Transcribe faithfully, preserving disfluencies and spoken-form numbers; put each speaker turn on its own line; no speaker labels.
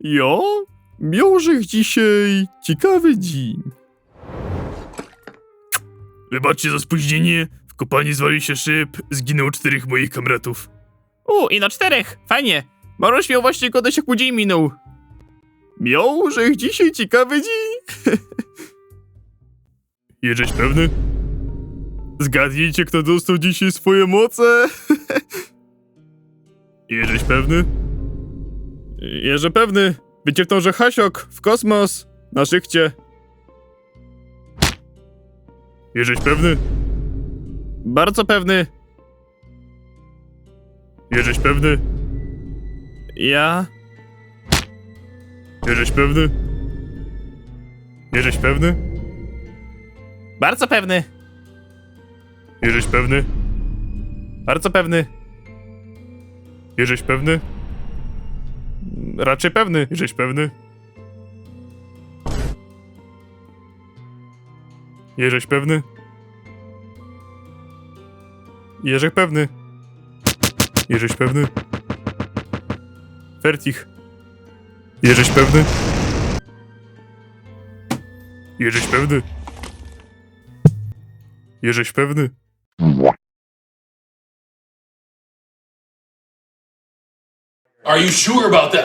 Ja? Miałżech dzisiaj ciekawy dzień. Wybaczcie za spóźnienie. W kopalni zwalił się szyb, zginęło czterech moich kamratów. U, i na czterech, fajnie. Maruś miał właśnie godać, jak mu dzień minął. Miałżech dzisiaj ciekawy dzień. Jesteś pewny? Zgadnijcie, kto dostał dzisiaj swoje moce. Jesteś pewny? Jeże pewny. Wycieknął, że Hasiok w kosmos na szykcie. Jesteś pewny? Bardzo pewny. Jesteś pewny? Ja? Jesteś pewny? Jesteś pewny? Bardzo pewny. Jesteś pewny? Bardzo pewny. Jesteś pewny? Raczej pewny. Jesteś pewny? Jesteś pewny? Jerzek pewny. Jesteś pewny? Fertich. Jesteś pewny? Jesteś pewny? Jesteś pewny?
Are you sure about that?